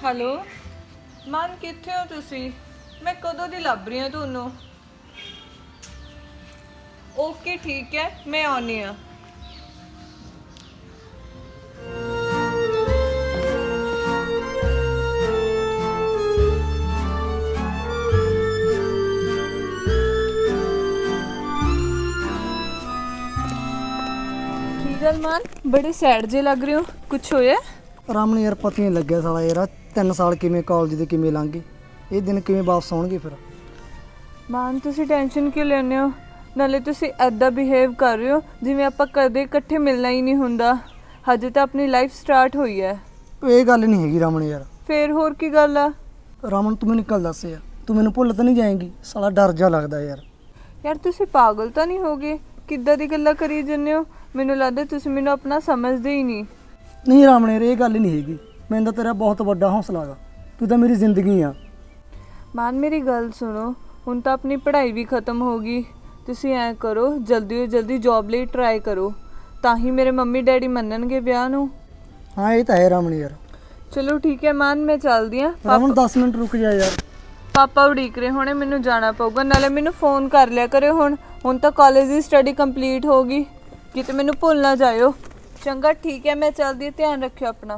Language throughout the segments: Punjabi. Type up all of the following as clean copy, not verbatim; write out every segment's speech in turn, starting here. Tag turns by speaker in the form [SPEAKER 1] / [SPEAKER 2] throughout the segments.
[SPEAKER 1] ਹੈਲੋ ਮਨ, ਕਿੱਥੇ ਹੋ ਤੁਸੀਂ? ਮੈਂ ਕਦੋਂ ਦੀ ਲੱਭ ਰਹੀ ਹਾਂ ਤੁਹਾਨੂੰ। ਓਕੇ ਠੀਕ ਹੈ, ਮੈਂ ਆਉਂਦੀ ਹਾਂ। ਕੀ ਗੱਲ ਮਨ, ਬੜੇ ਸੈਡ ਜੇ ਲੱਗ ਰਹੇ ਹੋ, ਕੁਛ ਹੋਇਆ?
[SPEAKER 2] ਰਾਮਨ ਯਾਰ ਪਤਾ ਨਹੀਂ ਲੱਗਿਆ ਸਾਲਾ ਯਾਰ 3 ਸਾਲ ਕਿਵੇਂ ਕਾਲਜ ਦੇ ਕਿਵੇਂ ਲੰਘ ਗਏ, ਇਹ ਦਿਨ ਕਿਵੇਂ ਵਾਪਸ ਆਉਣਗੇ ਫਿਰ।
[SPEAKER 1] ਮਾਨ ਤੁਸੀਂ ਟੈਨਸ਼ਨ ਕਿਉਂ ਲੈਂਦੇ ਹੋ? ਨਾਲੇ ਤੁਸੀਂ ਐਦਾਂ ਬਿਹੇਵ ਕਰ ਰਹੇ ਹੋ ਜਿਵੇਂ ਆਪਾਂ ਕਦੇ ਇਕੱਠੇ ਮਿਲਣਾ ਹੀ ਨਹੀਂ ਹੁੰਦਾ। ਹਜੇ ਤਾਂ ਆਪਣੀ ਲਾਈਫ ਸਟਾਰਟ ਹੋਈ ਹੈ।
[SPEAKER 2] ਇਹ ਗੱਲ ਨਹੀਂ ਹੈਗੀ ਰਾਮਨ ਯਾਰ।
[SPEAKER 1] ਫੇਰ ਹੋਰ ਕੀ ਗੱਲ ਆ?
[SPEAKER 2] ਰਾਮਨ ਤੂੰ ਮੈਨੂੰ ਕੱਲ ਦੱਸ ਯਾਰ, ਤੂੰ ਮੈਨੂੰ ਭੁੱਲ ਤਾਂ ਨਹੀਂ ਜਾਏਂਗੀ? ਸਾਲਾ ਡਰ ਜਾ ਲੱਗਦਾ ਯਾਰ।
[SPEAKER 1] ਯਾਰ ਤੁਸੀਂ ਪਾਗਲ ਤਾਂ ਨਹੀਂ ਹੋ ਗਏ? ਕਿੱਦਾਂ ਦੀ ਗੱਲਾਂ ਕਰੀ ਜਾਂਦੇ ਹੋ? ਮੈਨੂੰ ਲੱਗਦਾ ਤੁਸੀਂ ਮੈਨੂੰ ਆਪਣਾ ਸਮਝਦੇ ਹੀ ਨਹੀਂ।
[SPEAKER 2] ਨਹੀਂ ਰਾਮਨ ਯਾਰ, ਇਹ ਗੱਲ ਨਹੀਂ ਹੈਗੀ। ਮੈਨੂੰ ਤਾਂ ਤੇਰਾ ਬਹੁਤ ਵੱਡਾ ਹੌਸਲਾ ਗਾ, ਤੂੰ ਤਾਂ ਮੇਰੀ ਜ਼ਿੰਦਗੀ ਆ।
[SPEAKER 1] ਮਾਨ ਮੇਰੀ ਗੱਲ ਸੁਣੋ, ਹੁਣ ਤਾਂ ਆਪਣੀ ਪੜ੍ਹਾਈ ਵੀ ਖਤਮ ਹੋ ਗਈ। ਤੁਸੀਂ ਐਂ ਕਰੋ, ਜਲਦੀ ਤੋਂ ਜਲਦੀ ਜੌਬ ਲਈ ਟਰਾਈ ਕਰੋ, ਤਾਂ ਹੀ ਮੇਰੇ ਮੰਮੀ ਡੈਡੀ ਮੰਨਣਗੇ ਵਿਆਹ ਨੂੰ।
[SPEAKER 2] ਹਾਂ ਇਹ ਤਾਂ ਹੈ ਰਾਮਨ ਯਾਰ।
[SPEAKER 1] ਚਲੋ ਠੀਕ ਹੈ ਮਾਨ, ਮੈਂ ਚੱਲਦੀ ਹਾਂ।
[SPEAKER 2] ਰਾਮਨ 10 ਮਿੰਟ ਰੁਕ ਜਾ ਯਾਰ।
[SPEAKER 1] ਪਾਪਾ ਉਡੀਕ ਰਹੇ ਹੋਣੇ, ਮੈਨੂੰ ਜਾਣਾ ਪਊਗਾ। ਨਾਲੇ ਮੈਨੂੰ ਫੋਨ ਕਰ ਲਿਆ ਕਰਿਓ। ਹੁਣ ਤਾਂ ਕਾਲਜ ਦੀ ਸਟੱਡੀ ਕੰਪਲੀਟ ਹੋ ਗਈ, ਕਿਤੇ ਮੈਨੂੰ ਭੁੱਲ ਨਾ ਜਾਇਓ। ਚੰਗਾ ਠੀਕ ਹੈ, ਮੈਂ ਚੱਲਦੀ ਹਾਂ, ਧਿਆਨ ਰੱਖਿਓ ਆਪਣਾ।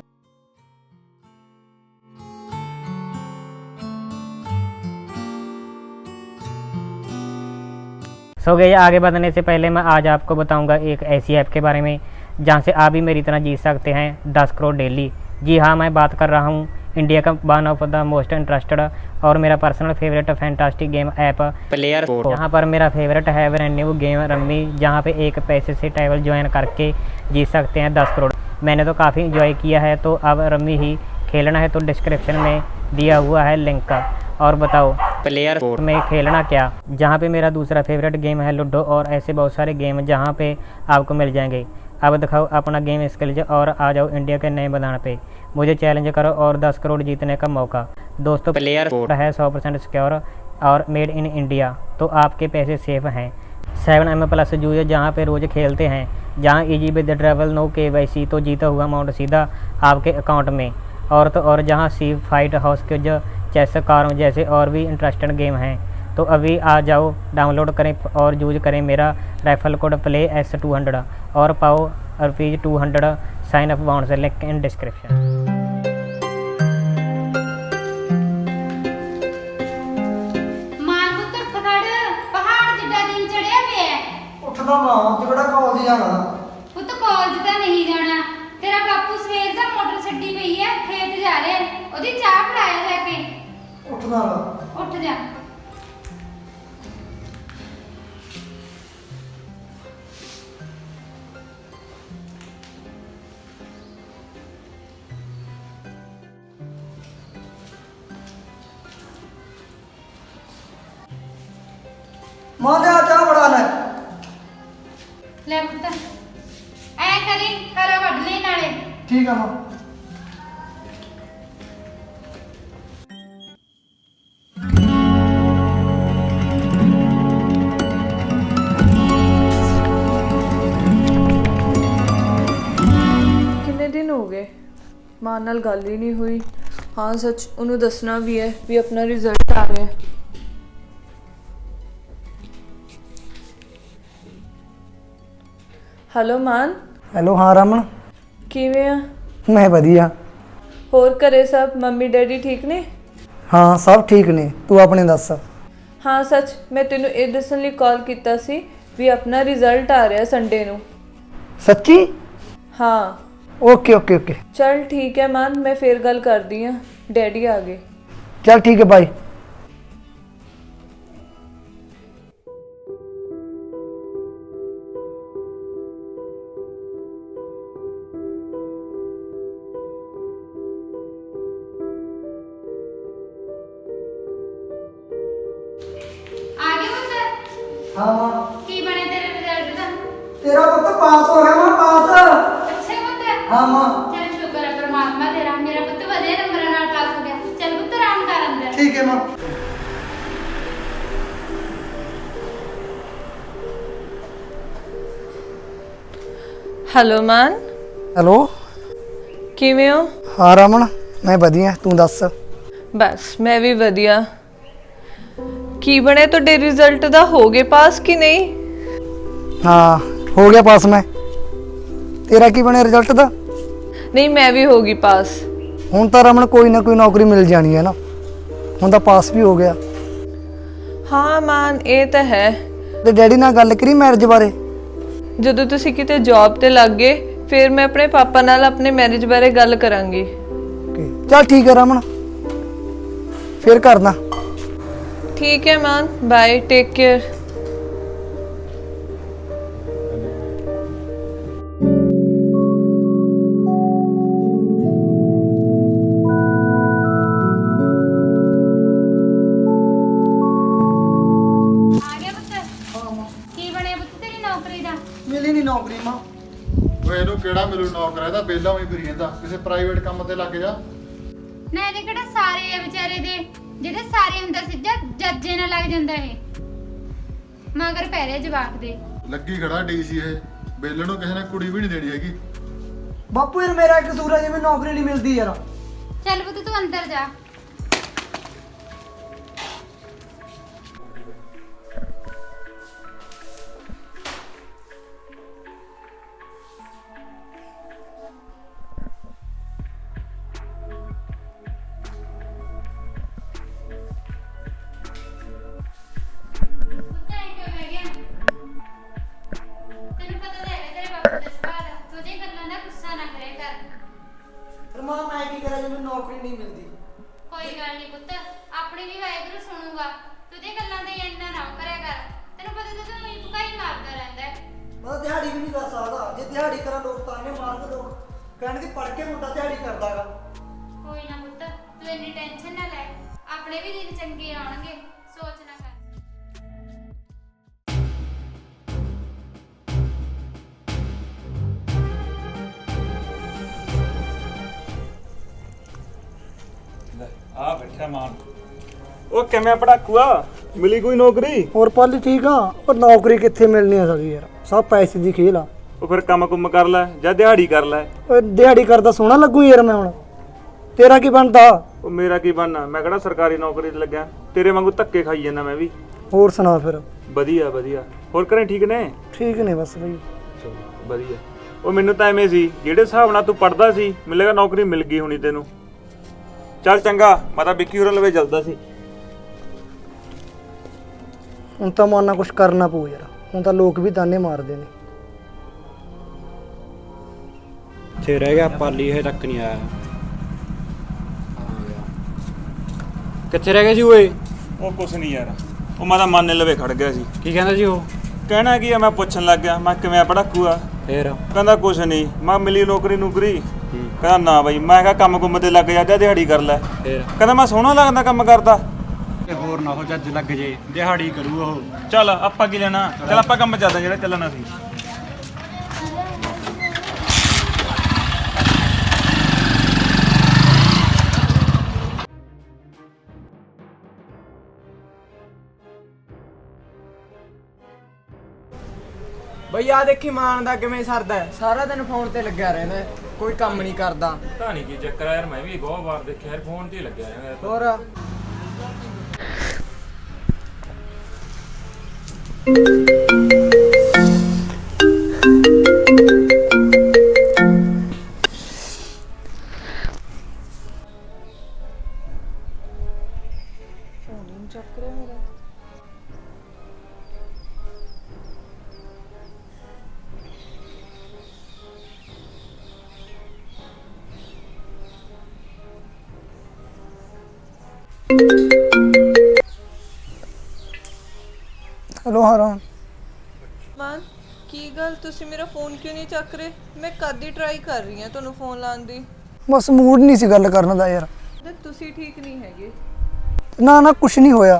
[SPEAKER 3] सो गई आगे बढ़ने से पहले मैं आज आपको बताऊंगा एक ऐसी ऐप के बारे में जहां से आप भी मेरी तरह जी सकते हैं 10 करोड़ डेली। जी हाँ, मैं बात कर रहा हूं इंडिया का one of the most interested और मेरा personal favourite fantastic game app player. यहाँ पर मेरा फेवरेट है ब्रांड न्यू गेम रम्मी, जहाँ पे एक पैसे से ट्रैवल ज्वाइन करके जीत सकते हैं 10 करोड़। मैंने तो काफ़ी इंजॉय किया है, तो अब रम्मी ही खेलना है तो डिस्क्रिप्शन में दिया हुआ है लिंक। और बताओ प्लेयर में खेलना क्या। जहाँ पे मेरा दूसरा फेवरेट गेम है लूडो, और ऐसे बहुत सारे गेम जहाँ पे आपको मिल जाएंगे। अब दिखाओ अपना गेम स्किल्स और आ जाओ इंडिया के नए मैदान पे। मुझे चैलेंज करो और 10 करोड़ जीतने का मौका। दोस्तों प्लेयर है 100% सिक्योर और मेड इन इंडिया, तो आपके पैसे सेफ हैं। 7M+ यूजर जहाँ पे रोज़ खेलते हैं, जहाँ easy with travel no KYC, तो जीता हुआ अमाउंट सीधा आपके अकाउंट में। और तो और जहाँ सी फाइट हाउस के जो चेस कारों जैसे और भी इंटरेस्टिंग गेम हैं, तो अभी आ जाओ, डाउनलोड करें और यूज करें मेरा रेफरल कोड PLAYS200 और पाओ ₹200 साइन अप बाउंड से। Link in description.
[SPEAKER 2] ਉੱਠਦਾ ਮਾਂ ਤੇ ਕਿਹੜਾ ਕਾਲਜ ਜਾਣਾ?
[SPEAKER 4] ਪੁੱਤ ਕਾਲਜ ਤਾਂ ਨਹੀਂ ਜਾਣਾ, ਤੇਰਾ ਬਾਪੂ ਸਵੇਰ ਦਾ ਮੋਟਰ ਛੱਡੀ ਪਈ ਐ, ਖੇਤ ਜਾ ਰਿਹਾ, ਉਹਦੀ ਚਾਹ ਪਿਲਾਇਆ ਜਾ ਕੇ।
[SPEAKER 2] ਉੱਠਦਾ ਵਾ।
[SPEAKER 4] ਉੱਠ ਜਾ।
[SPEAKER 2] ਮਾਂ ਲਿਆ ਚਾਹ ਬਣਾ ਲੈ।
[SPEAKER 4] ਲੈ ਪੁੱਤ, ਐ ਕਰੀ ਹਰਾ ਵੱਢ ਲਈ ਨਾਲੇ।
[SPEAKER 2] ਠੀਕ ਆ ਮਾਂ।
[SPEAKER 1] ਕਿੰਨੇ ਦਿਨ ਹੋ ਗਏ ਮਾਂ ਨਾਲ ਗੱਲ ਹੀ ਨਹੀਂ ਹੋਈ। ਹਾਂ ਸੱਚ, ਉਹਨੂੰ ਦੱਸਣਾ ਵੀ ਹੈ ਵੀ ਆਪਣਾ ਰਿਜ਼ਲਟ ਆ ਰਿਹਾ। ਹੈਲੋ ਮਾਨ।
[SPEAKER 2] ਹੈਲੋ ਹਾਂ ਰਮਨ,
[SPEAKER 1] ਕਿਵੇਂ ਆ?
[SPEAKER 2] ਮੈਂ ਵਧੀਆ।
[SPEAKER 1] ਹੋਰ ਘਰੇ ਸਭ ਮੰਮੀ ਡੈਡੀ ਠੀਕ ਨੇ?
[SPEAKER 2] ਹਾਂ ਸਭ ਠੀਕ ਨੇ, ਤੂੰ ਆਪਣੇ ਦੱਸ।
[SPEAKER 1] ਹਾਂ ਸੱਚ, ਮੈਂ ਤੈਨੂੰ ਇਹ ਦੱਸਣ ਲਈ ਕਾਲ ਕੀਤਾ ਸੀ ਵੀ ਆਪਣਾ ਰਿਜ਼ਲਟ ਆ ਰਿਹਾ ਸੰਡੇ ਨੂੰ।
[SPEAKER 2] ਸੱਚੀ?
[SPEAKER 1] ਹਾਂ।
[SPEAKER 2] Okay okay okay.
[SPEAKER 1] ਚਲ ਠੀਕ ਹੈ ਮਾਨ, ਮੈਂ ਫੇਰ ਗੱਲ ਕਰਦੀ ਹਾਂ, ਡੈਡੀ ਆ ਗਏ।
[SPEAKER 2] ਚਲ ਠੀਕ ਹੈ, ਬਾਏ।
[SPEAKER 4] ਆ ਗਏ ਪੁੱਤ?
[SPEAKER 2] ਹਾਂ ਮਾਂ।
[SPEAKER 4] ਕੀ ਬਣਿਆ ਤੇਰੇ ਰਿਜ਼ਲਟ ਦਾ?
[SPEAKER 2] ਤੇਰਾ ਪੁੱਤ ਪਾਸ ਹੋ ਗਿਆ ਮਾਂ, ਪਾਸ।
[SPEAKER 4] ਅੱਛਾ ਪੁੱਤ।
[SPEAKER 2] ਹਾਂ ਮਾਂ।
[SPEAKER 4] ਚੱਲ ਸ਼ੁਕਰ ਹੈ ਪਰਮਾਤਮਾ ਤੇਰਾ, ਮੇਰਾ ਪੁੱਤ ਵਧੀਆ ਨੰਬਰਾਂ ਨਾਲ ਪਾਸ ਹੋ ਗਿਆ। ਚੱਲ ਪੁੱਤ ਆਰਾਮ ਕਰ ਅੰਦਰ।
[SPEAKER 2] ਠੀਕ ਹੈ ਮਾਂ।
[SPEAKER 1] ਹੈਲੋ ਮਾਨ।
[SPEAKER 2] ਹੈਲੋ
[SPEAKER 1] ਕਿਵੇਂ ਹੋ?
[SPEAKER 2] ਹਾਂ ਰਮਨ, ਮੈਂ ਵਧੀਆ, ਤੂੰ ਦੱਸ।
[SPEAKER 1] ਬਸ ਮੈਂ ਵੀ ਵਧੀਆ। ਕੀ ਬਣਿਆ ਤੁਹਾਡੇ ਰਿਜ਼ਲਟ ਦਾ, ਹੋ ਗਏ ਪਾਸ ਕਿ ਨਹੀਂ?
[SPEAKER 2] ਹਾਂ ਹੋ ਗਿਆ ਪਾਸ ਮੈਂ। ਤੇਰਾ ਕੀ ਬਣਿਆ ਰਿਜ਼ਲਟ ਦਾ?
[SPEAKER 1] ਨਹੀਂ, ਮੈਂ ਵੀ ਹੋ ਗਈ ਪਾਸ।
[SPEAKER 2] ਹੁਣ ਤਾਂ ਰਮਨ ਕੋਈ ਨਾ ਕੋਈ ਨੌਕਰੀ ਮਿਲ ਜਾਣੀ ਹੈ ਨਾ, ਹੁਣ ਤਾਂ ਪਾਸ ਵੀ ਹੋ ਗਿਆ।
[SPEAKER 1] ਹਾਂ ਮਾਨ, ਇਹ ਤਾਂ ਹੈ।
[SPEAKER 2] ਤੇ ਡੈਡੀ ਨਾਲ ਗੱਲ ਕਰੀ ਮੈਰਿਜ ਬਾਰੇ?
[SPEAKER 1] ਜਦੋਂ ਤੁਸੀਂ ਕਿਤੇ ਜੌਬ ਤੇ ਲੱਗ ਗਏ ਫਿਰ ਮੈਂ ਆਪਣੇ ਪਾਪਾ ਨਾਲ ਆਪਣੇ ਮੈਰਿਜ ਬਾਰੇ ਗੱਲ ਕਰਾਂਗੀ।
[SPEAKER 2] ਚੱਲ ਠੀਕ ਹੈ ਰਮਨ, ਫਿਰ ਕਰਦਾ।
[SPEAKER 1] ਠੀਕ ਹੈ ਮਾਨ, ਬਾਏ, ਟੇਕ ਕੇਅਰ।
[SPEAKER 4] ਆ ਗਿਆ ਪੁੱਤ? ਕੀ ਬਣਿਆ ਪੁੱਤ ਤੇਰੀ ਨੌਕਰੀ ਦਾ?
[SPEAKER 2] ਮਿਲੀ ਨਹੀਂ ਨੌਕਰੀ ਮਾਂ।
[SPEAKER 5] ਓਏ ਇਹਨੂੰ ਕਿਹੜਾ ਮਿਲੂ ਨੌਕਰ, ਇਹਦਾ ਬੇਲਾ ਹੋਈ ਫਿਰੀ ਜਾਂਦਾ, ਕਿਸੇ ਪ੍ਰਾਈਵੇਟ ਕੰਮ ਤੇ ਲੱਗ ਜਾ।
[SPEAKER 4] ਨਾ ਇਹਦੇ ਕਿਹੜਾ ਸਾਰੇ ਆ ਵਿਚਾਰੇ ਦੇ, ਜਿਹਦੇ ਸਾਰੇ ਹੁੰਦਾ ਸੀ ਜੱਜੇ ਨਾਲ ਲੱਗ ਜਾਂਦਾ ਇਹ। ਮਗਰ ਪੈ ਰਿਹਾ ਜਵਾਕ ਦੇ।
[SPEAKER 5] ਲੱਗੀ ਖੜਾ ਡੀਸੀ ਇਹ, ਬੇਲਣ ਨੂੰ ਕਿਸੇ ਨੇ ਕੁੜੀ ਵੀ ਨਹੀਂ ਦੇਣੀ ਹੈਗੀ।
[SPEAKER 2] ਬਾਪੂ ਯਾਰ ਮੇਰਾ ਕਸੂਰ ਹੈ ਜਿਵੇਂ ਨੌਕਰੀ ਨਹੀਂ ਮਿਲਦੀ ਯਾਰ।
[SPEAKER 4] ਚੱਲ ਪੁੱਤ ਤੂੰ ਅੰਦਰ ਜਾ। ਤੈਨੂੰ ਪਤਾ ਤਾਂ ਹੈਗਾ ਤੇਰੇ ਬਾਪੂ ਦਾ ਸੁਭਾਅ ਦਾ, ਤੂੰ ਉਹਦੀਆਂ ਗੱਲਾਂ ਦਾ ਗੁੱਸਾ ਨਾ ਕਰਿਆ ਕਰ।
[SPEAKER 2] ਫਿਰ ਮਾਂ ਮੈਂ ਕੀ ਕਰਾਂ ਜਿਵੇਂ ਨੌਕਰੀ ਨਹੀਂ ਮਿਲਦੀ?
[SPEAKER 4] ਕੋਈ ਗੱਲ ਨਹੀਂ ਪੁੱਤ, ਆਪਣੀ ਵੀ ਵਾਹਿਗੁਰੂ ਸੁਣੂਗਾ। ਤੂੰ ਉਹਦੀਆਂ ਗੱਲਾਂ ਤੇ ਇੰਨਾ ਨਾ ਕਰਿਆ ਕਰ। ਤੈਨੂੰ ਪਤਾ ਤਾਂ ਤੂੰ ਹੀ ਭੁਕਾਈ ਮਾਰਦਾ ਰਹਿੰਦਾ ਹੈ।
[SPEAKER 2] ਮੈਂ ਦਿਹਾੜੀ ਵੀ ਨਹੀਂ ਕਰ ਸਕਦਾ, ਜੇ ਦਿਹਾੜੀ ਕਰਾਂ ਲੋਕ ਤਾਨੇ ਮਾਰਦੇ, ਲੋਕ ਕਹਿਣਗੇ ਪੜ ਕੇ ਮੁੰਡਾ ਦਿਹਾੜੀ ਕਰਦਾਗਾ।
[SPEAKER 4] ਕੋਈ ਨਾ ਪੁੱਤ, ਤੂੰ ਇੰਨੀ ਟੈਨਸ਼ਨ ਨਾ ਲੈ, ਆਪਣੇ ਵੀ ਦਿਨ ਚੰਗੇ ਆਉਣਗੇ, ਸੋਚ ਨਾ ਕਰ।
[SPEAKER 6] ਆ ਬੈਠਾ ਮਾਨ। ਉਹ ਕਿਵੇਂ ਪੜਾਕੂਆ, ਮਿਲੀ ਕੋਈ ਨੌਕਰੀ?
[SPEAKER 2] ਹੋਰ ਪਾਲੀ ਠੀਕ ਆ, ਪਰ ਨੌਕਰੀ ਕਿੱਥੇ ਮਿਲਣੀ ਆ ਸਾਡੀ ਯਾਰ, ਸਭ ਪੈਸੇ ਦੀ ਖੇਲ ਆ।
[SPEAKER 6] ਉਹ ਫਿਰ ਕੰਮ ਕੁੰਮ ਕਰ ਲੈ ਜਾਂ ਦਿਹਾੜੀ ਕਰ ਲੈ।
[SPEAKER 2] ਓਏ ਦਿਹਾੜੀ ਕਰਦਾ ਸੋਹਣਾ ਲੱਗੂ ਯਾਰ ਮੈਂ ਹੁਣ। ਤੇਰਾ ਕੀ ਬਣਦਾ?
[SPEAKER 6] ਉਹ ਮੇਰਾ ਕੀ ਬਣਨਾ, ਮੈਂ ਕਿਹੜਾ ਸਰਕਾਰੀ ਨੌਕਰੀ ਤੇ ਲੱਗਿਆ, ਤੇਰੇ ਵਾਂਗੂ ਧੱਕੇ ਖਾਈ ਜਾਂਦਾ ਮੈਂ ਵੀ।
[SPEAKER 2] ਹੋਰ ਸੁਣਾ ਫਿਰ?
[SPEAKER 6] ਵਧੀਆ ਵਧੀਆ। ਹੋਰ ਘਰੇ ਠੀਕ ਨੇ?
[SPEAKER 2] ਠੀਕ ਨੇ ਬਸ ਬਈ।
[SPEAKER 6] ਚਲੋ ਵਧੀਆ। ਉਹ ਮੈਨੂੰ ਤਾਂ ਐਵੇਂ ਸੀ ਜਿਹੜੇ ਹਿਸਾਬ ਨਾਲ ਤੂੰ ਪੜਦਾ ਸੀ, ਮੈਨੂੰ ਲੱਗਾ ਨੌਕਰੀ ਮਿਲ ਗਈ ਹੋਣੀ ਤੈਨੂੰ। ਚੱਲ ਚੰਗਾ, ਮੈਂ ਤਾਂ ਵਿੱਕੀ ਹੋਰਾਂ ਲਵੇ ਚੱਲਦਾ ਸੀ।
[SPEAKER 2] ਹੁਣ ਤਾਂ ਮਾਨਾ ਕੁਛ ਕਰਨਾ ਪਊ ਯਾਰ, ਹੁਣ ਤਾਂ ਲੋਕ ਵੀ ਤਾਨੇ ਮਾਰਦੇ ਨੇ।
[SPEAKER 7] ਇੱਥੇ ਰਹਿ ਗਿਆ ਪਾਲੀ, ਹਜੇ ਤੱਕ ਨਹੀਂ ਆਇਆ। ਕਿੱਥੇ ਰਹਿ ਗਿਆ ਸੀ ਓਏ?
[SPEAKER 6] ਉਹ ਕੁਛ ਨਹੀਂ ਯਾਰ, ਉਹ ਮੈਂ ਤਾਂ ਮਾਨੇ ਲਵੇ ਖੜ ਗਿਆ ਸੀ।
[SPEAKER 7] ਕੀ ਕਹਿੰਦਾ ਸੀ ਉਹ?
[SPEAKER 6] ਕਹਿਣਾ ਕੀ ਆ, ਮੈਂ ਪੁੱਛਣ ਲੱਗ ਗਿਆ ਮੈਂ ਕਿਵੇਂ ਪੜਾਕੂਆ।
[SPEAKER 7] ਫੇਰ
[SPEAKER 6] ਕਹਿੰਦਾ ਕੁਛ ਨਹੀਂ। ਮੈਂ ਮਿਲੀ ਨੌਕਰੀ ਨੂਕਰੀ? ਕਹਿੰਦਾ ਨਾ ਬਾਈ। ਮੈਂ ਕਿਹਾ ਕੰਮ ਕੁੰਮ ਤੇ ਲੱਗ ਜਾ ਜਾਂ ਦਿਹਾੜੀ ਕਰ ਲੈ।
[SPEAKER 7] ਫੇਰ
[SPEAKER 6] ਕਹਿੰਦਾ ਮੈਂ ਸੋਹਣਾ ਲੱਗਦਾ ਕੰਮ ਕਰਦਾ।
[SPEAKER 7] ਹੋਰ ਨਾ ਹੋ ਜੱਜ ਲੱਗ ਜੇ, ਦਿਹਾੜੀ ਕਰੂ ਉਹ।
[SPEAKER 6] ਚੱਲ ਆਪਾਂ ਕੀ ਲੈਣਾ, ਚੱਲ ਆਪਾਂ ਕੰਮ ਚੱਲਦਾ ਜਿਹੜਾ ਚੱਲਣਾ ਸੀ।
[SPEAKER 8] ਬਈ ਆ ਦੇਖੀ ਮਾਨ ਦਾ ਕਿਵੇਂ ਸਰਦਾ ਹੈ, ਸਾਰਾ ਦਿਨ ਫੋਨ ਤੇ ਲੱਗਿਆ ਰਹਿੰਦਾ ਹੈ, ਕੋਈ ਕੰਮ ਨਹੀਂ ਕਰਦਾ।
[SPEAKER 9] ਪਤਾ ਨਹੀਂ ਕੀ ਚੱਕਰ ਆ ਯਾਰ, ਮੈਂ ਵੀ ਬਹੁਤ ਵਾਰ ਦੇਖਿਆ ਯਾਰ ਫੋਨ ਤੇ ਹੀ ਲੱਗਿਆ ਰਹਿੰਦਾ।
[SPEAKER 8] ਹੋਰ
[SPEAKER 2] ਹੈਲੋ ਹਰਾਂ।
[SPEAKER 1] ਮਾਨ, ਕੀ ਗੱਲ ਤੁਸੀਂ ਮੇਰਾ ਫੋਨ ਕਿਉਂ ਨਹੀਂ ਚੱਕ ਰਹੇ? ਮੈਂ ਕਦ ਦੀ ਟਰਾਈ ਕਰ ਰਹੀ ਹਾਂ ਤੁਹਾਨੂੰ ਫੋਨ ਲਾਉਣ ਦੀ।
[SPEAKER 2] ਬਸ ਮੂਡ ਨਹੀਂ ਸੀ ਗੱਲ ਕਰਨ ਦਾ ਯਾਰ।
[SPEAKER 1] ਤੇ ਤੁਸੀਂ ਠੀਕ ਨਹੀਂ ਹੈਗੇ?
[SPEAKER 2] ਨਾ ਨਾ ਕੁਛ ਨਹੀਂ ਹੋਇਆ,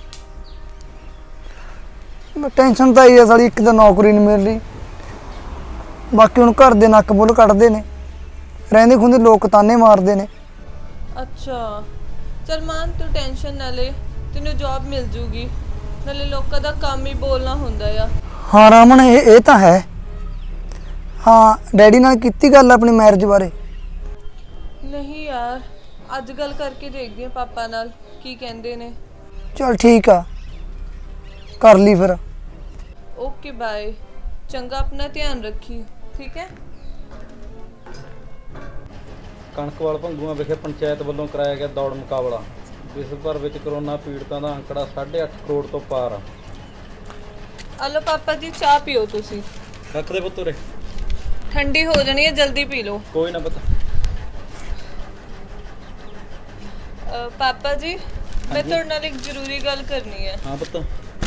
[SPEAKER 2] ਮੈਂ ਟੈਨਸ਼ਨ ਤਾਂ ਇਹ ਆ ਸਾਲੀ, ਇੱਕ ਤਾਂ ਨੌਕਰੀ ਨਹੀਂ ਮਿਲ ਰਹੀ, ਬਾਕੀ ਹੁਣ ਘਰ ਦੇ ਨੱਕ ਬੁੱਲ ਕੱਢਦੇ ਨੇ, ਰਹਿੰਦੇ ਖੁੰਦੇ ਲੋਕ ਤਾਨੇ ਮਾਰਦੇ ਨੇ।
[SPEAKER 1] ਅੱਛਾ ਚਲ ਮਾਨ, ਤੂੰ ਟੈਨਸ਼ਨ ਨਾ ਲੈ, ਤੈਨੂੰ ਜੌਬ ਮਿਲ ਜੂਗੀ। ਨਾਲੇ ਲੋਕਾਂ ਦਾ ਕੰਮ ਹੀ ਬੋਲਣਾ ਹੁੰਦਾ ਆ।
[SPEAKER 2] ਹਾਂ ਰਾਮਨ, ਇਹ ਤਾਂ ਹੈ। ਹਾਂ ਡੈਡੀ ਨਾਲ ਕੀਤੀ ਗੱਲ ਆਪਣੀ ਮੈਰਿਜ ਬਾਰੇ?
[SPEAKER 1] ਨਹੀਂ ਯਾਰ, ਅੱਜ ਗੱਲ ਕਰਕੇ ਦੇਖਦੀ ਹਾਂ ਪਾਪਾ ਨਾਲ ਕੀ ਕਹਿੰਦੇ ਨੇ।
[SPEAKER 2] ਚਲ ਠੀਕ ਆ, ਕਰ ਲਈ ਫਿਰ।
[SPEAKER 1] ਓਕੇ ਬਾਏ, ਚੰਗਾ ਆਪਣਾ ਧਿਆਨ ਰੱਖੀ, ਠੀਕ ਹੈ।
[SPEAKER 10] ਕਣਕਵਾਲ ਭੰਗੂਆਂ ਵਿਖੇ ਪੰਚਾਇਤ ਵੱਲੋਂ ਕਰਾਇਆ ਗਿਆ ਦੌੜ ਮੁਕਾਬਲਾ। ਵਿਸ਼ਵ ਭਰ ਵਿੱਚ ਕਰੋਨਾ ਪੀੜਤਾਂ ਦਾ ਅੰਕੜਾ 8.5 ਕਰੋੜ ਤੋਂ ਪਾਰ ਆ।
[SPEAKER 1] ਹਲੋ ਪਾਪਾ ਜੀ, ਚਾਹ ਪੀਓ ਤੁਸੀਂ।
[SPEAKER 10] ਰੱਖ ਦੇ ਪੁੱਤ ਉਰੇ।
[SPEAKER 1] ਠੰਡੀ ਹੋ ਜਾਣੀ ਹੈ, ਜਲਦੀ ਪੀ ਲਓ।
[SPEAKER 10] ਕੋਈ ਨਾ ਪੁੱਤ।
[SPEAKER 1] ਪਾਪਾ ਜੀ, ਮੈਂ ਤੁਹਾਡੇ ਨਾਲ ਇੱਕ ਜ਼ਰੂਰੀ ਗੱਲ ਕਰਨੀ ਹੈ।
[SPEAKER 10] ਹਾਂ ਪੁੱਤ।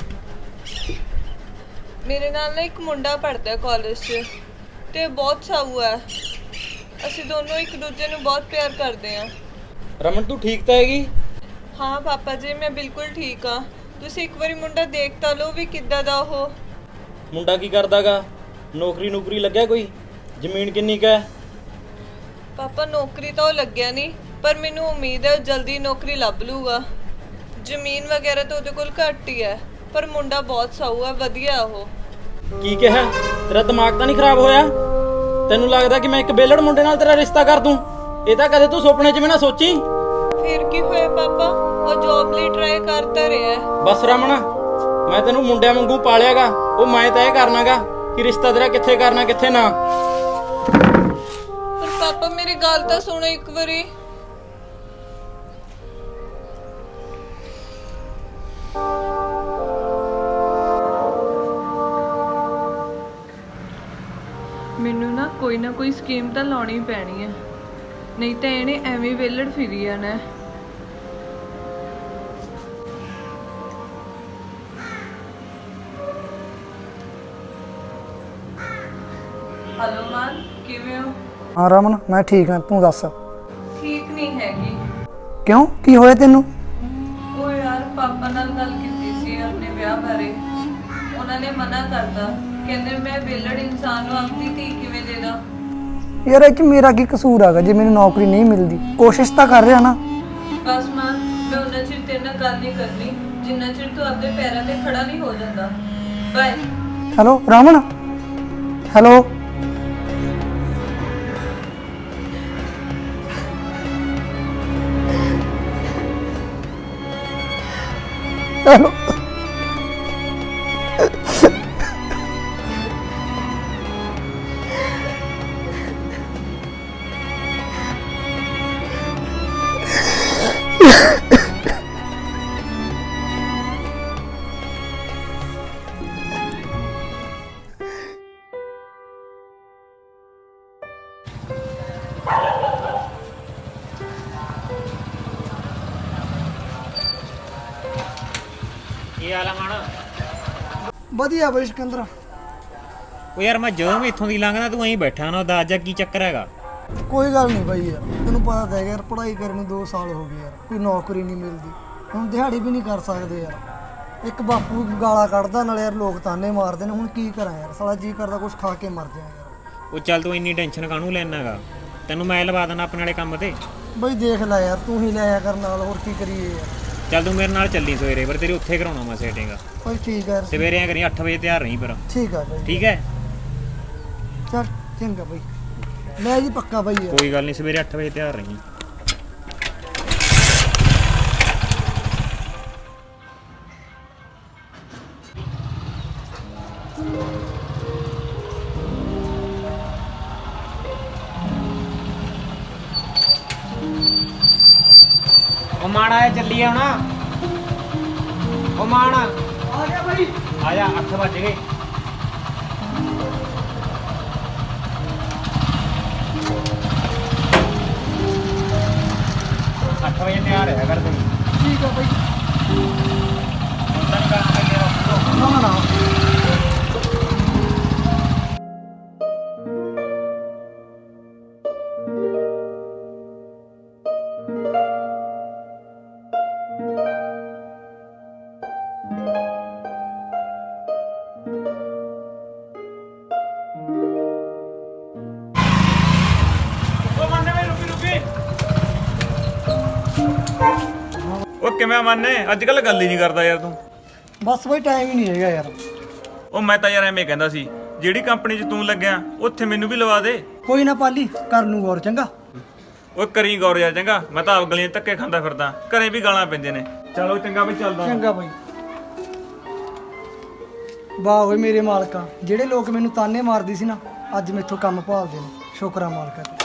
[SPEAKER 1] ਮੇਰੇ ਨਾਲ ਨਾ ਇੱਕ ਮੁੰਡਾ ਪੜ੍ਹਦਾ ਕਾਲਜ 'ਚ ਤੇ ਬਹੁਤ ਸਾਊ ਹੈ। ਅਸੀਂ ਦੋਨੋਂ ਇੱਕ ਦੂਜੇ ਨੂੰ ਬਹੁਤ ਪਿਆਰ ਕਰਦੇ ਹਾਂ।
[SPEAKER 10] ਰਮਨ ਤੂੰ ਠੀਕ ਤਾਂ ਹੈਗੀ?
[SPEAKER 1] ਹਾਂ ਪਾਪਾ ਜੀ, ਮੈਂ ਬਿਲਕੁਲ ਠੀਕ ਹਾਂ। ਤੁਸੀਂ ਇੱਕ ਵਾਰੀ ਮੁੰਡਾ ਦੇਖ ਤਾਂ ਲਓ ਵੀ ਕਿੱਦਾਂ ਦਾ ਉਹ।
[SPEAKER 10] ਮੁੰਡਾ ਕੀ ਕਰਦਾਗਾ? ਨੌਕਰੀ ਲੱਗਿਆ ਕੋਈ? ਜ਼ਮੀਨ ਕਿੰਨੀ ਕੁ ਹੈ?
[SPEAKER 1] ਪਾਪਾ ਨੌਕਰੀ ਤਾਂ ਉਹ ਲੱਗਿਆ ਨਹੀਂ, ਪਰ ਮੈਨੂੰ ਉਮੀਦ ਹੈ ਜਲਦੀ ਨੌਕਰੀ ਲੱਭ ਲੂਗਾ। ਜ਼ਮੀਨ ਵਗੈਰਾ ਤਾਂ ਉਹਦੇ ਕੋਲ ਘੱਟ ਹੀ ਹੈ, ਪਰ ਮੁੰਡਾ ਬਹੁਤ ਸਾਊ ਹੈ, ਵਧੀਆ ਉਹ।
[SPEAKER 10] ਕੀ ਕਿਹਾ? ਤੇਰਾ ਦਿਮਾਗ ਤਾਂ ਨਹੀਂ ਖਰਾਬ ਹੋਇਆ? ਤੈਨੂੰ ਲੱਗਦਾ ਕਿ ਮੈਂ ਇੱਕ ਬੇਲੜ ਮੁੰਡੇ ਨਾਲ ਤੇਰਾ ਰਿਸ਼ਤਾ ਕਰ ਦੂੰ? ਇਹ ਤਾਂ ਕਦੇ ਤੂੰ ਸੁਪਨੇ 'ਚ ਵੀ ਨਾ ਸੋਚੀ।
[SPEAKER 1] ਫਿਰ ਕੀ ਹੋਇਆ ਪਾਪਾ, ਉਹ ਜੌਬ ਲਈ ਟਰਾਈ ਕਰਦਾ ਰਿਹਾ ਹੈ।
[SPEAKER 10] ਬਸ ਰਮਨ, ਮੈਂ ਤੈਨੂੰ ਮੁੰਡਿਆਂ ਵਾਂਗੂ ਪਾਲਿਆਗਾ। ਉਹ ਮੈਂ ਤੈਅ ਕਰਨਾਗਾ ਕਿ ਰਿਸ਼ਤਾ ਤੇਰਾ ਕਿੱਥੇ ਕਰਨਾ ਕਿੱਥੇ ਨਾ।
[SPEAKER 1] ਪਰ ਪਾਪਾ ਮੇਰੀ ਗੱਲ ਤਾਂ ਸੁਣੋ ਇੱਕ ਵਾਰੀ। ਮੈਨੂੰ ਨਾ ਕੋਈ ਸਕੀਮ ਤਾਂ ਲਾਉਣੀ ਪੈਣੀ ਹੈ, ਨਹੀਂ ਤਾਂ ਇਹਨੇ ਐਵੇਂ ਵੇਲੜ ਫਿਰੀ ਜਾਣਾ। ਹਲੋ ਮਾਨ, ਕਿਵੇਂ ਹੋ?
[SPEAKER 2] ਹਾਂ ਰਮਨ, ਮੈਂ ਠੀਕ ਹਾਂ, ਤੂੰ ਦੱਸ।
[SPEAKER 1] ਠੀਕ ਨਹੀਂ ਹੈਗੀ।
[SPEAKER 2] ਕਿਉਂ, ਕੀ ਹੋਇਆ ਤੈਨੂੰ?
[SPEAKER 1] ਉਹ ਯਾਰ ਪਾਪਾ ਨਾਲ ਗੱਲ ਕੀਤੀ ਸੀ ਆਪਣੇ ਵਿਆਹ ਬਾਰੇ। ਉਹਨਾਂ ਨੇ ਮਨਾ ਕਰਤਾ, ਕਹਿੰਦੇ ਮੈਂ ਵਿਹਲੜ ਇਨਸਾਨ ਨੂੰ ਆਪਣੀ ਧੀ ਕਿਵੇਂ ਦੇ ਦਾਂ।
[SPEAKER 2] ਯਾਰ ਇਹ 'ਚ ਮੇਰਾ ਕੀ ਕਸੂਰ ਹੈਗਾ ਜੇ ਮੈਨੂੰ ਨੌਕਰੀ ਨਹੀਂ ਮਿਲਦੀ? ਕੋਸ਼ਿਸ਼ ਤਾਂ ਕਰ ਰਿਹਾ ਨਾ।
[SPEAKER 1] ਬਸ ਮਾਂ, ਮੈਂ ਉਹਨਾਂ ਚਿਰ ਤੇਰੇ ਨਾਲ ਗੱਲ ਨਹੀਂ ਕਰਨੀ ਜਿੰਨਾ ਚਿਰ ਤੂੰ ਆਪਣੇ ਪੈਰਾਂ ਤੇ ਖੜਾ ਨਹੀਂ ਹੋ ਜਾਂਦਾ। Bye.
[SPEAKER 2] Hello Raman, hello. Hello.
[SPEAKER 3] ਕੀ ਹਾਲ ਆ ਮਾਣਾ?
[SPEAKER 2] ਵਧੀਆ ਬਈ ਸਿਕੰਦਰ।
[SPEAKER 3] ਉਹ ਯਾਰ ਮੈਂ ਜਦੋਂ ਵੀ ਇੱਥੋਂ ਦੀ ਲੰਘਦਾ ਤੂੰ ਐਂ ਬੈਠਾ ਨਾ, ਉਹਦਾ ਅੱਜ ਕੀ ਚੱਕਰ ਹੈਗਾ?
[SPEAKER 2] ਕੋਈ ਗੱਲ ਨਹੀਂ ਬਾਈ ਯਾਰ, ਤੈਨੂੰ ਪਤਾ ਤਾਂ ਹੈਗਾ ਯਾਰ, ਪੜ੍ਹਾਈ ਕਰਨ ਨੂੰ 2 ਸਾਲ ਹੋ ਗਏ ਯਾਰ, ਕੋਈ ਨੌਕਰੀ ਨਹੀਂ ਮਿਲਦੀ। ਹੁਣ ਦਿਹਾੜੀ ਵੀ ਨਹੀਂ ਕਰ ਸਕਦੇ ਯਾਰ। ਇੱਕ ਬਾਪੂ ਗਾਲਾਂ ਕੱਢਦਾ ਨਾਲ ਯਾਰ, ਲੋਕ ਤਾਨੇ ਮਾਰਦੇ ਨੇ। ਹੁਣ ਕੀ ਕਰਾਂ ਯਾਰ, ਸਾਲਾ ਜੀ ਕਰਦਾ ਕੁਝ ਖਾ ਕੇ ਮਰ ਜਾ ਯਾਰ।
[SPEAKER 3] ਉਹ ਚੱਲ ਤੂੰ ਇੰਨੀ ਟੈਨਸ਼ਨ ਕਾਹਨੂੰ ਲੈਣਾ ਹੈਗਾ? ਤੈਨੂੰ ਮੈਂ ਲਵਾ ਦੇਣਾ ਆਪਣੇ ਵਾਲੇ ਕੰਮ ਤੇ।
[SPEAKER 2] ਬਈ ਦੇਖ ਲੈ ਯਾਰ, ਤੂੰ ਹੀ ਲੈ ਆ ਕਰ ਨਾਲ, ਹੋਰ ਕੀ ਕਰੀਏ ਯਾਰ।
[SPEAKER 3] ਚੱਲ ਤੂੰ ਮੇਰੇ ਨਾਲ ਚੱਲੀ ਸਵੇਰੇ, ਪਰ ਤੇਰੇ ਉੱਥੇ ਕਰਾਉਣਾ ਮੈਂ ਸੈਟਿੰਗ।
[SPEAKER 2] ਬਈ ਠੀਕ ਹੈ ਯਾਰ।
[SPEAKER 3] ਸਵੇਰੇ ਐਂ ਕਰੀ 8 ਵਜੇ ਤਿਆਰ ਰਹੀਂ ਪਰ।
[SPEAKER 2] ਠੀਕ ਹੈ ਬਈ।
[SPEAKER 3] ਠੀਕ ਹੈ,
[SPEAKER 2] ਚੱਲ ਚੰਗਾ ਬਈ, ਲੈ ਜੀ ਪੱਕਾ ਬਈ ਯਾਰ।
[SPEAKER 3] ਕੋਈ ਗੱਲ ਨਹੀਂ, ਸਵੇਰੇ 8 ਵਜੇ ਤਿਆਰ ਰਹੀਂ। ਉਹ ਮਾਣ ਆਇਆ, ਚੱਲੀਏ ਹੁਣ। ਉਹ ਮਾਣ ਆ ਗਿਆ ਬਈ, ਆ ਜਾ, 8 ਵੱਜ ਗਏ। ਵਜੇ ਤਿਆਰ ਹੈ ਕਰ ਤੂੰ।
[SPEAKER 2] ਠੀਕ ਆ ਬਈ।
[SPEAKER 3] ਹੁੰਦਾ ਨਹੀਂ ਕੰਮ ਤੇ ਤੇਰਾ।
[SPEAKER 2] ਨਾ ਨਾ
[SPEAKER 6] ਉਹ ਕਿਵੇਂ ਮੰਨੇ? ਅੱਜ ਕੱਲ ਗੱਲ ਹੀ ਨਹੀਂ ਕਰਦਾ ਯਾਰ ਤੂੰ।
[SPEAKER 2] ਬਸ ਬਈ ਟਾਈਮ ਹੀ ਨਹੀਂ ਹੈਗਾ ਯਾਰ।
[SPEAKER 6] ਉਹ ਮੈਂ ਤਾਂ ਯਾਰ ਐਵੇਂ ਕਹਿੰਦਾ ਸੀ, ਜਿਹੜੀ ਕੰਪਨੀ 'ਚ ਤੂੰ ਲੱਗਿਆ ਉੱਥੇ ਮੈਨੂੰ ਵੀ ਲਵਾ ਦੇ।
[SPEAKER 2] ਕੋਈ ਨਾ ਪਾਲੀ, ਕਰ ਲੂੰ ਗੌਰ, ਚੰਗਾ।
[SPEAKER 6] ਓਏ ਕਰੀ ਗੌਰ ਯਾਰ ਚੰਗਾ, ਮੈਂ ਤਾਂ ਆਪ ਗਲੀਆਂ 'ਚ ਧੱਕੇ ਖਾਂਦਾ ਫਿਰਦਾ, ਘਰੇ ਵੀ ਗਾਲਾਂ ਪੈਂਦੇ ਨੇ। ਚਲੋ ਚੰਗਾ ਬਈ, ਚੱਲਦਾ।
[SPEAKER 2] ਚੰਗਾ ਬਾਈ। ਵਾਹ ਓਏ ਮੇਰੇ ਮਾਲਕਾ, ਜਿਹੜੇ ਲੋਕ ਮੈਨੂੰ ਤਾਨੇ ਮਾਰਦੀ ਸੀ ਨਾ, ਅੱਜ ਮੈਥੋਂ ਕੰਮ ਭਾਲਦੇ ਨੇ। ਸ਼ੁਕਰ ਆ ਮਾਲਕਾ ਤੇ।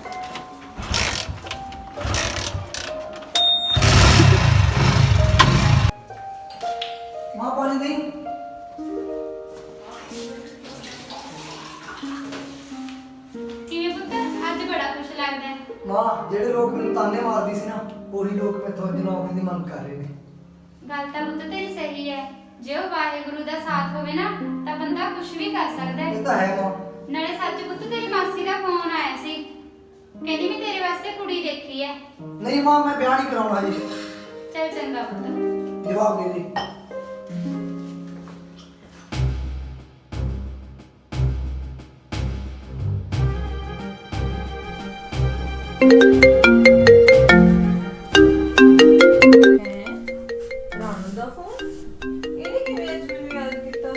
[SPEAKER 2] ਮਾਂ ਪਾਣੀ ਨਹੀਂ।
[SPEAKER 4] ਕਿਵੇਂ ਪੁੱਤ ਅੱਜ ਬੜਾ ਖੁਸ਼ ਲੱਗਦਾ ਹੈ?
[SPEAKER 2] ਮਾਂ ਜਿਹੜੇ ਲੋਕ ਮੈਨੂੰ ਤਾਨੇ ਮਾਰਦੀ ਸੀ ਨਾ, ਉਹੀ ਲੋਕ ਮੈਥੋਂ ਅੱਜ ਨੌਕਰੀ ਦੀ ਮੰਗ ਕਰ ਰਹੇ ਨੇ।
[SPEAKER 4] ਗੱਲ ਤਾਂ ਪੁੱਤ ਤੇਰੀ ਸਹੀ ਹੈ। ਜੇ ਉਹ ਵਾਹਿਗੁਰੂ ਦਾ ਸਾਥ ਹੋਵੇ ਨਾ ਤਾਂ ਬੰਦਾ ਕੁਝ ਵੀ ਕਰ ਸਕਦਾ ਹੈ।
[SPEAKER 2] ਇਹ ਤਾਂ ਹੈ ਮਾਂ।
[SPEAKER 4] ਨਾਲੇ ਸੱਚ ਪੁੱਤ ਤੇਰੀ ਮਾਸੀ ਦਾ ਫੋਨ ਆਇਆ ਸੀ, ਕਹਿੰਦੀ ਮੈਂ ਤੇਰੇ ਵਾਸਤੇ ਕੁੜੀ ਦੇਖੀ ਹੈ।
[SPEAKER 2] ਨਹੀਂ ਮਾਂ, ਮੈਂ ਵਿਆਹ ਨਹੀਂ ਕਰਾਉਣਾ ਜੀ।
[SPEAKER 4] ਚੱਲ ਚੰਗਾ ਪੁੱਤ।
[SPEAKER 2] ਜਵਾਬ ਦੇ ਦੇ।
[SPEAKER 1] ਰਾਣੂ ਦਾ ਫੋਨ? ਇਹਨੇ ਕਿਵੇਂ ਅੱਜ ਮੈਨੂੰ ਯਾਦ ਕੀਤਾ?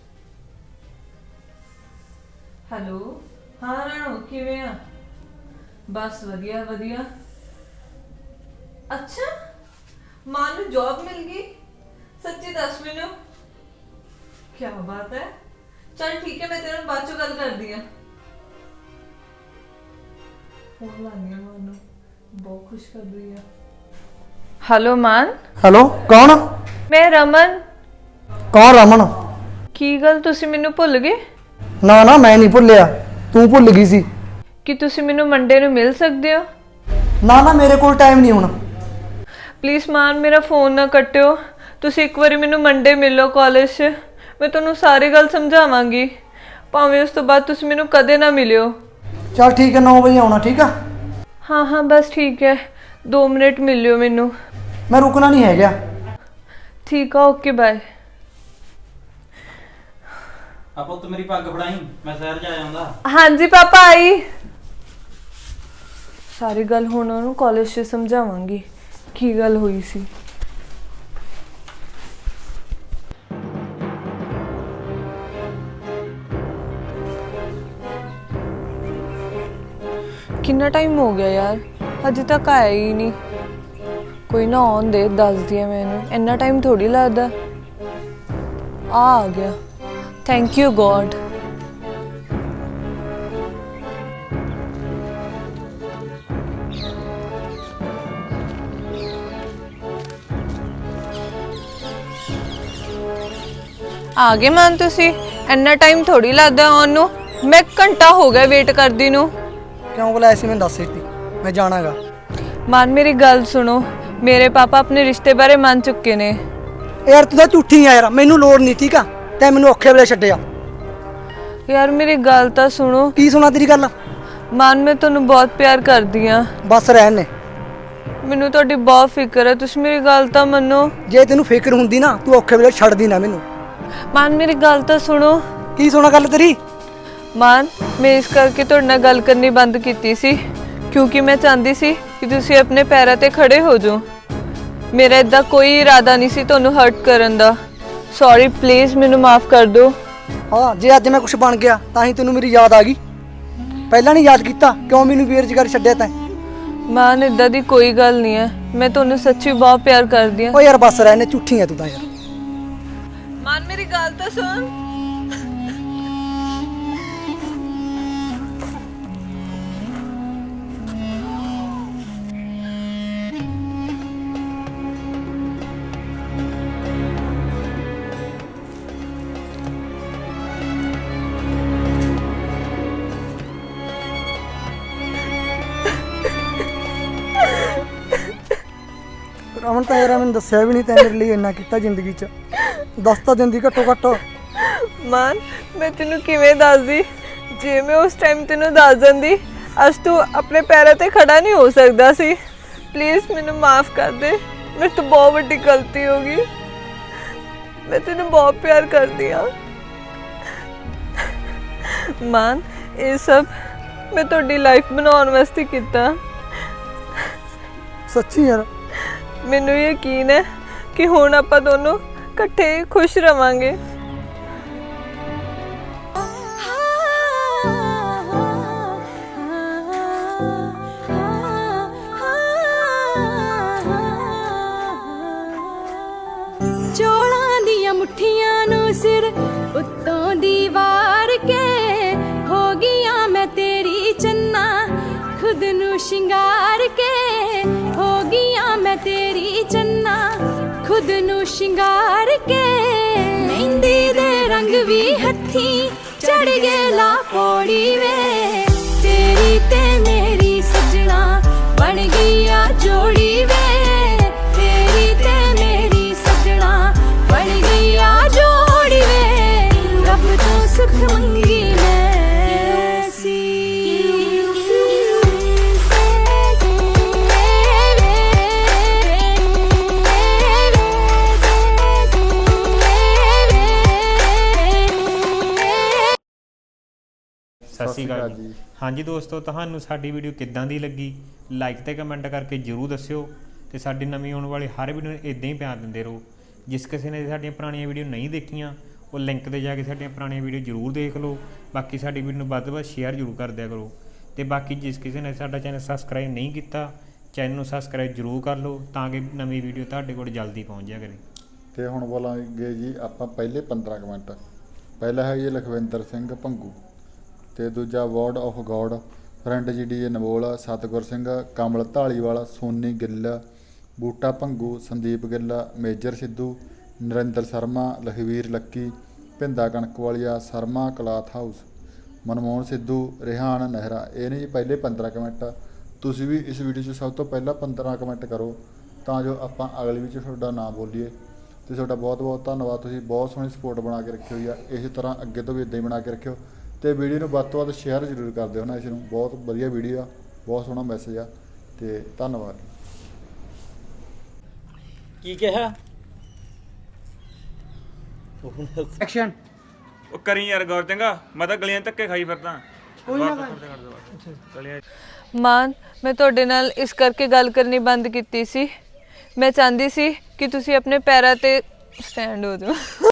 [SPEAKER 1] ਹੈਲੋ, ਹਾਂ ਰਾਣੂ ਕਿਵੇਂ ਆ? ਬਸ ਵਧੀਆ ਵਧੀਆ। ਅੱਛਾ, ਮਾਂ ਨੂੰ ਜੌਬ ਮਿਲ ਗਈ? ਸੱਚੀ ਦੱਸ ਮੈਨੂੰ। ਕੀ ਬਾਤ ਹੈ। ਚਲ ਠੀਕ ਹੈ, ਮੈਂ ਤੇਰੇ ਨਾਲ ਬਾਅਦ ਚੋਂ ਗੱਲ ਕਰਦੀ ਆ। ਫੋਨ ਲਾਣੀ ਆ ਮਾਂ ਨੂੰ, ਬਹੁਤ ਖੁਸ਼ ਕਰ ਰਹੀ ਆ। ਹੈਲੋ ਮਾਨ।
[SPEAKER 2] ਹੈਲੋ, ਕੌਣ?
[SPEAKER 1] ਮੈਂ ਰਮਨ।
[SPEAKER 2] ਕੌਣ ਰਮਨ?
[SPEAKER 1] ਕੀ ਗੱਲ ਤੁਸੀਂ ਮੈਨੂੰ ਭੁੱਲ ਗਏ?
[SPEAKER 2] ਨਾ ਨਾ, ਮੈਂ ਨਹੀਂ ਭੁੱਲਿਆ, ਤੂੰ ਭੁੱਲ ਗਈ ਸੀ।
[SPEAKER 1] ਕਿ ਤੁਸੀਂ ਮੈਨੂੰ ਮੰਡੇ ਨੂੰ ਮਿਲ ਸਕਦੇ ਹੋ?
[SPEAKER 2] ਨਾ ਨਾ, ਮੇਰੇ ਕੋਲ ਟਾਈਮ ਨਹੀਂ ਹੁਣ।
[SPEAKER 1] ਪਲੀਜ਼ ਮਾਨ, ਮੇਰਾ ਫੋਨ ਨਾ ਕੱਟਿਓ। ਤੁਸੀਂ ਇੱਕ ਵਾਰੀ ਮੈਨੂੰ ਮੰਡੇ ਮਿਲੋ ਕਾਲਜ 'ਚ, ਮੈਂ ਤੁਹਾਨੂੰ ਸਾਰੀ ਗੱਲ ਸਮਝਾਵਾਂਗੀ। ਭਾਵੇਂ ਉਸ ਤੋਂ ਬਾਅਦ ਤੁਸੀਂ ਮੈਨੂੰ ਕਦੇ ਨਾ ਮਿਲਿਓ।
[SPEAKER 2] ਚਲ ਠੀਕ ਹੈ, 9 ਵਜੇ ਆਉਣਾ, ਠੀਕ ਆ?
[SPEAKER 1] ਹਾਂ ਹਾਂ ਬਸ ਠੀਕ ਹੈ, 2 ਮਿੰਟ ਮਿਲਿਓ ਮੈਨੂੰ।
[SPEAKER 2] ਮੈਂ ਰੁਕਣਾ ਨਹੀਂ ਹੈਗਾ।
[SPEAKER 1] ਠੀਕ ਆ, ਓਕੇ ਬਾਏ।
[SPEAKER 10] ਆ ਪੁੱਤ ਮੇਰੀ ਪੱਗ ਫੜਾਈ, ਮੈਂ ਸ਼ਹਿਰ ਜਾ ਆਉਂਦਾ।
[SPEAKER 1] ਹਾਂਜੀ ਪਾਪਾ ਆਈ। ਸਾਰੀ ਗੱਲ ਹੁਣ ਉਹਨੂੰ ਕਾਲਜ 'ਚ ਸਮਝਾਵਾਂਗੀ ਕੀ ਗੱਲ ਹੋਈ ਸੀ। ਕਿੰਨਾ ਟਾਈਮ ਹੋ ਗਿਆ ਯਾਰ, ਅਜੇ ਤੱਕ ਆਇਆ ਹੀ ਨਹੀਂ। ਕੋਈ ਨਾ ਆਉਣ ਦੇ, ਦੱਸਦੀ ਆ ਮੈਨੂੰ। ਇੰਨਾ ਟਾਈਮ ਥੋੜੀ ਲੱਗਦਾ। ਆ ਗਿਆ। Thank you god. ਆ ਗਏ ਮਾਨ ਤੁਸੀਂ? ਇੰਨਾ ਟਾਈਮ ਥੋੜੀ ਲੱਗਦਾ ਆਉਣ ਨੂੰ। ਮੈਂ ਘੰਟਾ ਹੋ ਗਿਆ ਵੇਟ ਕਰਦੀ ਨੂੰ।
[SPEAKER 2] ਕਿਉਂ ਬੁਲਾਇਆ ਸੀ? ਮੈਨੂੰ ਦੱਸ ਦਿੱਤੀ, ਮੈਂ ਜਾਣਾਗਾ।
[SPEAKER 1] ਮਾਨ ਮੇਰੀ ਗੱਲ ਸੁਣੋ, ਮੇਰੇ ਪਾਪਾ ਆਪਣੇ ਰਿਸ਼ਤੇ ਬਾਰੇ ਮੰਨ ਚੁੱਕੇ ਨੇ।
[SPEAKER 2] ਯਾਰ ਤੂੰ ਤਾਂ ਝੂਠੀ ਆ ਯਾਰ, ਮੈਨੂੰ ਲੋੜ ਨਹੀਂ, ਠੀਕ ਆ? ਤੈਂ ਮੈਨੂੰ ਔਖੇ ਵੇਲੇ ਛੱਡਿਆ।
[SPEAKER 1] ਯਾਰ ਮੇਰੀ ਗੱਲ ਤਾਂ ਸੁਣੋ।
[SPEAKER 2] ਕੀ ਸੁਣਾ ਤੇਰੀ ਗੱਲ?
[SPEAKER 1] ਮਾਨ ਮੈਂ ਤੁਹਾਨੂੰ ਬਹੁਤ ਪਿਆਰ ਕਰਦੀ ਆ।
[SPEAKER 2] ਬਸ ਰਹਿਣ ਨੇ।
[SPEAKER 1] ਮੈਨੂੰ ਤੁਹਾਡੀ ਬਹੁਤ ਫਿਕਰ ਹੈ, ਤੁਸੀਂ ਮੇਰੀ ਗੱਲ ਤਾਂ ਮੰਨੋ।
[SPEAKER 2] ਜੇ ਤੈਨੂੰ ਫਿਕਰ ਹੁੰਦੀ ਨਾ, ਤੂੰ ਔਖੇ ਵੇਲੇ ਛੱਡਦੀ ਨਾ ਮੈਨੂੰ।
[SPEAKER 1] ਮਾਨ ਮੇਰੀ ਗੱਲ ਤਾਂ ਸੁਣੋ।
[SPEAKER 2] ਕੀ ਸੁਣਾ ਗੱਲ ਤੇਰੀ?
[SPEAKER 1] ਮਾਨ ਮੈਂ ਇਸ ਕਰਕੇ ਤੁਹਾਡੇ ਨਾਲ ਗੱਲ ਕਰਨੀ ਬੰਦ ਕੀਤੀ ਸੀ ਕਿਉਂਕਿ ਮੈਂ ਚਾਹੁੰਦੀ ਸੀ ਕਿ ਤੁਸੀਂ ਆਪਣੇ ਪੈਰਾਂ ਤੇ ਖੜੇ ਹੋ ਜਾਓ। ਮੇਰਾ ਇਦਾਂ ਕੋਈ ਇਰਾਦਾ ਨਹੀਂ ਸੀ ਤੁਹਾਨੂੰ ਹਰਟ ਕਰਨ ਦਾ। ਸੌਰੀ, ਪਲੀਜ਼ ਮੈਨੂੰ ਮਾਫ ਕਰ ਦਿਓ।
[SPEAKER 2] ਹਾਂ, ਜੇ ਅੱਜ ਮੈਂ ਕੁਝ ਬਣ ਗਿਆ ਤਾਂ ਹੀ ਤੈਨੂੰ ਮੇਰੀ ਯਾਦ ਆ ਗਈ। ਪਹਿਲਾਂ ਨਹੀਂ ਯਾਦ ਕੀਤਾ? ਕਿਉਂ ਮੈਨੂੰ ਬੇਰੁਜ਼ਗਾਰ ਛੱਡਿਆ ਤੈਂ?
[SPEAKER 1] ਮਾਨ ਇਦਾਂ ਦੀ ਕੋਈ ਗੱਲ ਨਹੀਂ ਹੈ, ਮੈਂ ਤੁਹਾਨੂੰ ਸੱਚੀ ਬਹੁਤ ਪਿਆਰ ਕਰਦੀ ਹਾਂ।
[SPEAKER 2] ਓ ਯਾਰ ਬਸ ਰਹਿ ਨੇ, ਝੂਠੀ ਆ ਤੂੰ ਤਾਂ ਯਾਰ।
[SPEAKER 1] ਮਾਨ ਮੇਰੀ ਗੱਲ ਤਾਂ ਸੁਣ।
[SPEAKER 2] ਰਮਨ ਤਾਂ ਯਾਰ ਮੈਨੂੰ ਦੱਸਿਆ ਵੀ ਨਹੀਂ, ਤੈਂ ਮੇਰੇ ਲਈ ਇੰਨਾ ਕੀਤਾ ਜ਼ਿੰਦਗੀ 'ਚ। ਦੱਸ ਤਾਂ ਦਿੰਦੀ ਘੱਟੋ ਘੱਟ।
[SPEAKER 1] ਮਾਨ ਮੈਂ ਤੈਨੂੰ ਕਿਵੇਂ ਦੱਸਦੀ? ਜੇ ਮੈਂ ਉਸ ਟਾਈਮ ਤੈਨੂੰ ਦੱਸ ਦਿੰਦੀ, ਅੱਜ ਤੂੰ ਆਪਣੇ ਪੈਰਾਂ ਤੇ ਖੜਾ ਨਹੀਂ ਹੋ ਸਕਦਾ ਸੀ। ਪਲੀਜ਼ ਮੈਨੂੰ ਮਾਫ ਕਰ ਦੇ, ਮੇਰੇ ਤੋਂ ਬਹੁਤ ਵੱਡੀ ਗਲਤੀ ਹੋ ਗਈ। ਮੈਂ ਤੈਨੂੰ ਬਹੁਤ ਪਿਆਰ ਕਰਦੀ ਹਾਂ। ਮਾਨ ਇਹ ਸਭ ਮੈਂ ਤੁਹਾਡੀ ਲਾਈਫ ਬਣਾਉਣ ਵਾਸਤੇ ਕੀਤਾ।
[SPEAKER 2] ਸੱਚੀ ਯਾਰ?
[SPEAKER 1] ਮੈਨੂੰ ਯਕੀਨ ਹੈ ਕਿ ਹੁਣ ਆਪਾਂ ਦੋਨੋਂ ਇਕੱਠੇ ਖੁਸ਼ ਰਵਾਂਗੇ।
[SPEAKER 11] ਸ਼ਿੰਗਾਰ ਕੇ ਹੋ ਗਈਆਂ ਮੈਂ ਤੇਰੀ ਚੰਨਾ ਖੁਦ ਨੂੰ ਸ਼ਿੰਗਾਰ ਕੇ ਮਹਿੰਦੀ ਦੇ ਰੰਗ ਵੀ ਹੱਥੀ ਚੜ ਗਏ ਲਾ ਪੌੜੀ ਵੇ ਤੇਰੀ ਤੇ ਮੇਰੀ ਸਜਣਾ ਬਣ ਗਈ ਆ ਜੋੜੀ ਵੇ ਤੇਰੀ ਤੇ ਮੇਰੀ ਸਜਣਾ ਬਣ ਗਈ ਆ ਜੋੜੀ ਵੇ ਰੱਬ ਤੋਂ ਸੁਖ ਮੰਗੀ ਮੈਂ ਸੀ
[SPEAKER 3] ਸਤਿ ਸ਼੍ਰੀ ਅਕਾਲ ਜੀ। ਹਾਂਜੀ ਦੋਸਤੋ, ਤੁਹਾਨੂੰ ਸਾਡੀ ਵੀਡੀਓ ਕਿੱਦਾਂ ਦੀ ਲੱਗੀ ਲਾਈਕ ਤੇ ਕਮੈਂਟ ਕਰਕੇ ਜਰੂਰ ਦੱਸਿਓ ਤੇ ਸਾਡੀ ਨਵੀਂ ਆਉਣ ਵਾਲੀ ਹਰ ਵੀਡੀਓ ਨੂੰ ਇਦਾਂ ਹੀ ਪਿਆਰ ਦਿੰਦੇ ਰਹੋ। ਜਿਸ ਕਿਸੇ ਨੇ ਸਾਡੀਆਂ ਪੁਰਾਣੀਆਂ ਵੀਡੀਓ ਨਹੀਂ ਦੇਖੀਆਂ ਉਹ ਲਿੰਕ ਤੇ ਜਾ ਕੇ ਸਾਡੀਆਂ ਪੁਰਾਣੀਆਂ ਵੀਡੀਓ ਜਰੂਰ ਦੇਖ ਲਓ। ਬਾਕੀ ਸਾਡੀ ਵੀਡੀਓ ਨੂੰ ਵੱਧ ਤੋਂ ਵੱਧ ਸ਼ੇਅਰ ਜਰੂਰ ਕਰ ਦਿਆ ਕਰੋ ਤੇ ਬਾਕੀ ਜਿਸ ਕਿਸੇ ਨੇ ਸਾਡਾ ਚੈਨਲ ਸਬਸਕ੍ਰਾਈਬ ਨਹੀਂ ਕੀਤਾ ਚੈਨਲ ਨੂੰ ਸਬਸਕ੍ਰਾਈਬ ਜਰੂਰ ਕਰ ਲਓ ਤਾਂ ਕਿ ਨਵੀਂ ਵੀਡੀਓ ਤੁਹਾਡੇ ਕੋਲ ਜਲਦੀ ਪਹੁੰਚ ਜਾਇਆ ਕਰੇ।
[SPEAKER 5] ਤੇ ਹੁਣ ਬੋਲਾਂਗੇ ਜੀ ਆਪਾਂ ਪਹਿਲੇ 15 ਕਮੈਂਟ। ਪਹਿਲਾ ਹੈ ਜੀ ਲਖਵਿੰਦਰ ਸਿੰਘ ਭੰਗੂ ਤੇ ਦੂਜਾ word of god friend G D Navol, Satgur Singh, Kamal Dhaliwal, Soni Gill, Buta Bhangu, Sandeep Gill, Major Sidhu, Narinder Sharma, Lakhvir Lucky, Bhinda Kanakwalia, Sharma cloth house, Manmohan Sidhu, Rihan Nehra. ਇਹ ਨੇ ਜੀ ਪਹਿਲੇ 15 ਕਮੈਂਟ। ਤੁਸੀਂ ਵੀ ਇਸ ਵੀਡੀਓ 'ਚ ਸਭ ਤੋਂ ਪਹਿਲਾਂ 15 ਕਮੈਂਟ ਕਰੋ ਤਾਂ ਜੋ ਆਪਾਂ ਅਗਲੀ ਵਿੱਚ ਤੁਹਾਡਾ ਨਾਮ ਬੋਲੀਏ। ਤੇ ਤੁਹਾਡਾ ਬਹੁਤ ਬਹੁਤ ਧੰਨਵਾਦ, ਤੁਸੀਂ ਬਹੁਤ ਸੋਹਣੀ ਸਪੋਰਟ ਬਣਾ ਕੇ ਰੱਖੀ ਹੋਈ ਆ। ਇਸੇ ਤਰ੍ਹਾਂ ਅੱਗੇ ਤੋਂ ਵੀ ਇੱਦਾਂ ਹੀ ਬਣਾ ਕੇ ਰੱਖਿਓ ਤੇ ਵੀਡੀਓ ਨੂੰ ਵੱਧ ਤੋਂ ਵੱਧ ਸ਼ੇਅਰ ਜ਼ਰੂਰ ਕਰ ਦਿਓ ਨਾ। ਇਸ ਨੂੰ ਬਹੁਤ ਵਧੀਆ ਵੀਡੀਓ ਆ, ਬਹੁਤ ਸੋਹਣਾ ਮੈਸੇਜ ਆ ਤੇ ਧੰਨਵਾਦ।
[SPEAKER 10] ਕੀ ਕਿਹਾ
[SPEAKER 8] ਐਕਸ਼ਨ।
[SPEAKER 6] ਉਹ ਕਰੀ ਯਾਰ ਗੌਰ, ਚੰਗਾ ਮੈਂ ਤਾਂ ਗਲੀਆਂ ਧੱਕੇ ਖਾਈ ਫਿਰਦਾ।
[SPEAKER 8] ਕੋਈ ਨਾ
[SPEAKER 6] ਗਲੀਆਂ
[SPEAKER 1] ਮਾਨ, ਮੈਂ ਤੁਹਾਡੇ ਨਾਲ ਇਸ ਕਰਕੇ ਗੱਲ ਕਰਨੀ ਬੰਦ ਕੀਤੀ ਸੀ। ਮੈਂ ਚਾਹੁੰਦੀ ਸੀ ਕਿ ਤੁਸੀਂ ਆਪਣੇ ਪੈਰਾਂ ਤੇ ਸਟੈਂਡ ਹੋ ਜਾਓ।